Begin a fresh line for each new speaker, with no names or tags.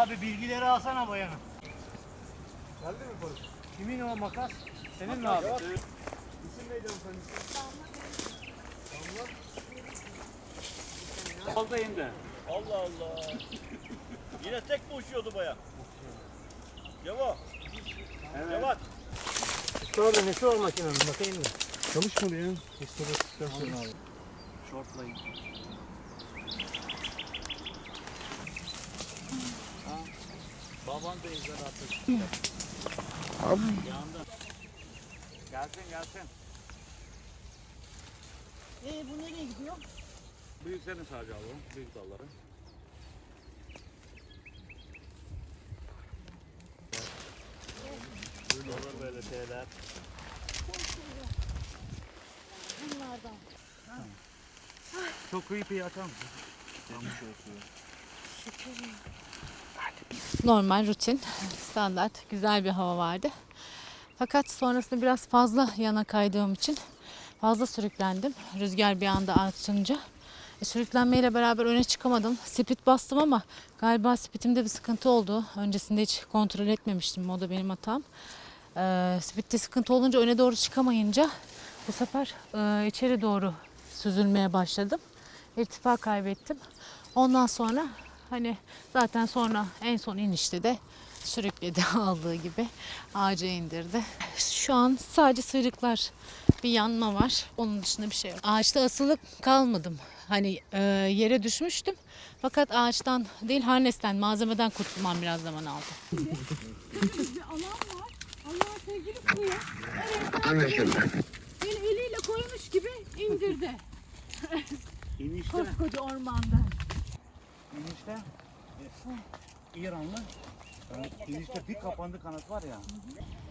Abi bilgileri alsana bayanım.
Geldi mi polis?
Kimin o makas? Senin mi abi?
İsim neydi hanımefendi? Damla.
Oldu indi.
Allah Allah. Yine tek mi uçuyordu bayan? Cevat.
Evet.
Cevat.
Orada nesi var makinenin? Bakayım mı? Çalışmadı ya. İstasyon abi.
Shortlayın. Baban da izler artık.
Abi.
Yandı. Gelsin gelsin.
Bu nereye gidiyor?
Büyüklerini sadece alalım. Büyük dalları.
Olur böyle şeyler.
Bunlardan.
Çok kıyıp iyi atar mısın?
Normal, rutin, standart, güzel bir hava vardı. Fakat sonrasında biraz fazla yana kaydığım için fazla sürüklendim. Rüzgar bir anda açınca. Sürüklenmeyle beraber öne çıkamadım. Speed bastım ama galiba speedimde bir sıkıntı oldu. Öncesinde hiç kontrol etmemiştim. O da benim hatam. Speed'de sıkıntı olunca öne doğru çıkamayınca bu sefer içeri doğru süzülmeye başladım. İrtifa kaybettim. Ondan sonra hani zaten sonra en son inişte de sürükledi aldığı gibi ağaca indirdi. Şu an sadece sıyrıklar, bir yanma var. Onun dışında bir şey yok. Ağaçta asılı kalmadım. Hani yere düşmüştüm. Fakat ağaçtan değil harnesten, malzemeden kurtulmam biraz zaman aldı.
Bir alan var. Allah sevgili kıyı. Beni eliyle koymuş gibi indirdi.
İnişte.
Koskoca ormanda.
İnişte. İranlı. İnişte bir kapandı kanat var ya.